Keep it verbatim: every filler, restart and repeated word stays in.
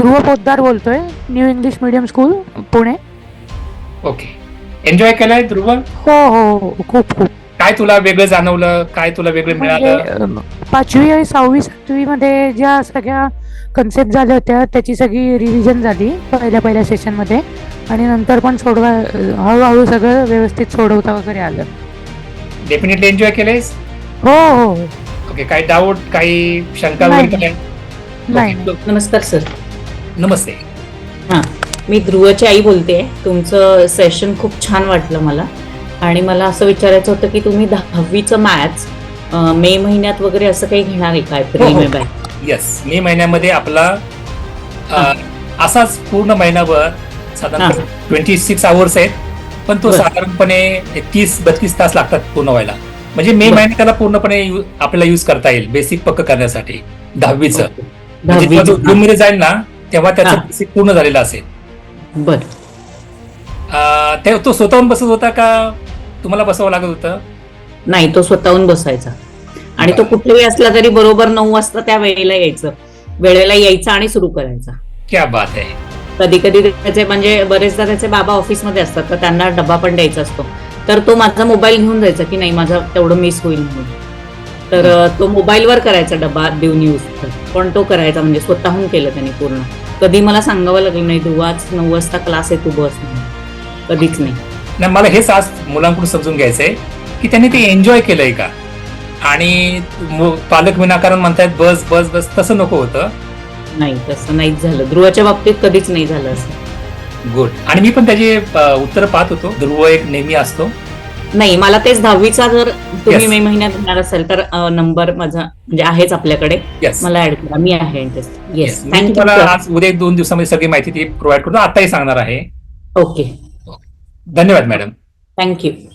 ध्रुव पोद्दार बोलतोय, new English medium school Pune. Okay. Enjoy केलाय ध्रुव? हो हो हो, खूप खूप. काय तुला वेगळं जाणवलं, काय तुला वेगळं म्हणजे मिळालं? अम, पाचवी आणि सहावी सातवी मध्ये ज्या सगळ्या कन्सेप्ट झाल्या होत्या त्याची सगळी रिव्हिजन झाली पहिल्या पहिल्या सेशन मध्ये, आणि नंतर पण सोडवा हळूहळू सगळं व्यवस्थित सोडवता वगैरे आलं. डेफिनेटली एन्जॉय केलेस? हो हो हो. ओके. काही डाऊट, काही शंका नाही, वगैरे काय? नाही ओके. नाही. नमस्कार सर. नमस्ते. हां, मी ध्रुवची आई बोलते. तुमचं सेशन खूप छान वाटलं मला, आणि मला असं विचारायचं होतं की तुम्ही दहावीचं मॅथ्स मे महिन्यात वगैरे असं काही घेणार आहे का? हो एप्रिल हो मे बाय येस, मे महिन्यामध्ये आपला अ, हां. असाच पूर्ण महिनाभर साधारणतः ट्वेंटी सिक्स आवर्स आहेत, पण तो बरं. साधारणपणे तीस बत्तीस तास लागतात पूर्ण व्हायला. म्हणजे मे बरं. महिन्यात त्याला पूर्णपणे यु- आपल्याला युज करता येईल बेसिक पक्क करण्यासाठी दहावीचं. ओके. म्हणजे जेव्हा तो दहावीचं. जून मध्ये जाईल ना तेव्हा त्याचं हां. बेसिक पूर्ण झालेलं असेल. बर. अ, ते तो स्वतःहून बसत होता का तुम्हाला बसावं लागत होतं? नाही, तो स्वतःहून बसायचा, आणि तो बरं. कुठेही असला तरी बरोबर नऊ वाजता त्या वेळेला यायचं वेळेला यायचा आणि सुरू करायचा. क्या बात आहे. कधी कधी त्याचे म्हणजे बरेचदा त्याचे बाबा ऑफिसमध्ये असतात, तर त्यांना डबा पण द्यायचा असतो, तर तो माझा मोबाईल घेऊन जायचा की नाही माझा तेवढं मिस होईल म्हणून. तर अ, तो मोबाईलवर करायचा डबा देऊन यूज, पण तो करायचा, म्हणजे स्वतःहून केलं त्यांनी पूर्ण. कधी मला सांगावं लागलं नाही ध्रुव आज नऊ वाजता क्लास आहे तू बस म्हणून, कधीच नाही. नाही, मला हेच आज मुलांकडून समजून घ्यायचंय की त्यांनी ते एन्जॉय केलंय का, आणि मु- पालक विनाकारण म्हणतायत बस बस बस, तसं नको होतं. नाही, तसं नाहीच झालं ध्रुवच्या बाबतीत, कधीच नाही झालं असं. गुड. आणि मी पण त्याचे उत्तर पाहत होतो. ध्रुव एक नेहमी असतो. नाही, मला तेच दहावीचा जर तुम्ही Yes. मे महिन्यात घेणार असेल तर नंबर माझा म्हणजे आहेच आपल्याकडे, येस मला ऍड करा, मी आहे इंटरेस्ट. येस, मी थँक्यू तुम्हाला सर. आज उद्या एक दोन दिवसामध्ये सगळी माहिती ती प्रोव्हाइड करतो, आताही सांगणार आहे. ओके, धन्यवाद मॅडम. थँक्यू.